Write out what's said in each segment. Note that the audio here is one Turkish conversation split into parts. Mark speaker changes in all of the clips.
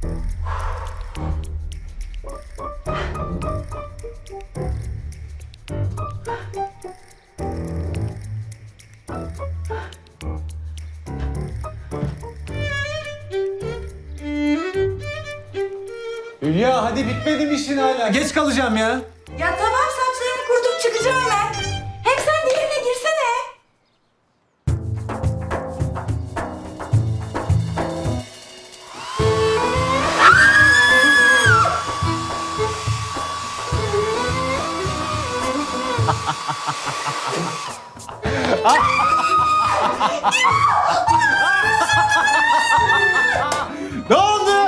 Speaker 1: Hülya hadi bitmedi mi işin hala? Geç kalacağım ya.
Speaker 2: Ya tamam, saçlarımı kurutup çıkacağım hemen. Hem sen diğerine girsene.
Speaker 1: Ne oldu?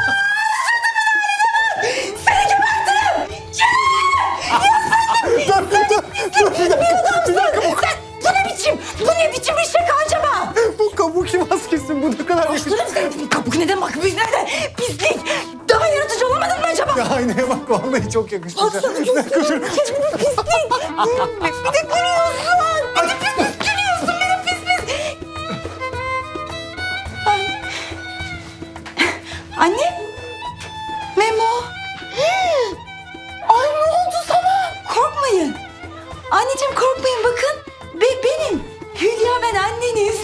Speaker 2: Bu ne biçim bir şaka acaba?
Speaker 1: Bu kabuki maskesi bu ne kadar yakışıklı.
Speaker 2: Kabuk neden, makbuz nerede? Pislik. Daha yaratıcı olamadın mı acaba?
Speaker 1: Ya aynaya bak vallahi çok yakışmış.
Speaker 2: Baksana gözlerine kendine pislik. Bir de gülüyorsun. Bir de pis pis gülüyorsun. Bir de pis pis. Ay. Anne. Memo. Ay ne oldu sana? Korkmayın. Anneciğim korkmayın, bakın. Benim. Hülya, ben anneniz.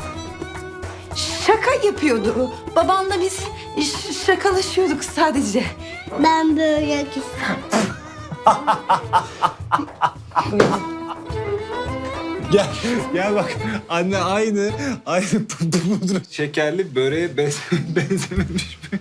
Speaker 2: Şaka yapıyordu. Babanla biz şakalaşıyorduk sadece.
Speaker 3: Ben böyle istiyorum.
Speaker 1: Gel bak anne aynı pudra şekerli böreğe benzememiş mi?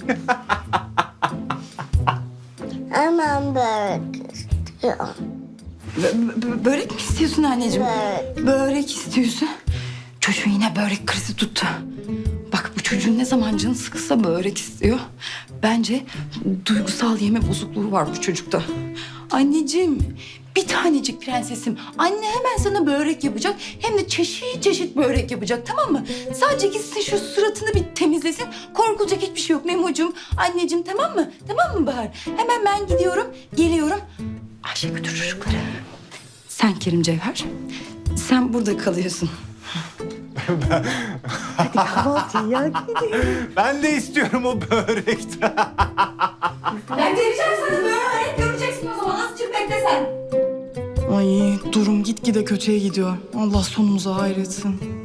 Speaker 3: Hemen böyle istiyorum.
Speaker 2: Börek mi istiyorsun anneciğim?
Speaker 3: Börek.
Speaker 2: Börek istiyorsun. Çocuğun yine börek krizi tuttu. Bak bu çocuğun ne zaman canı sıkılsa börek istiyor. Bence duygusal yeme bozukluğu var bu çocukta. Anneciğim, bir tanecik prensesim. Anne hemen sana börek yapacak. Hem de çeşit çeşit börek yapacak, tamam mı? Sadece gitsin şu suratını bir temizlesin. Korkulacak hiçbir şey yok Memo'cum. Anneciğim, tamam mı? Tamam mı Bahar? Hemen ben gidiyorum, geliyorum. Ayşe götür çocukları. Sen Kerim Cevher, sen burada kalıyorsun. Hadi kahvaltıya gidelim.
Speaker 1: Ben de istiyorum o börekten.
Speaker 2: Ben vereceğim sana börek, göreceksin o zaman. Az çık bekle sen.
Speaker 4: Ay durum gitgide kötüye gidiyor. Allah sonumuzu hayretsin.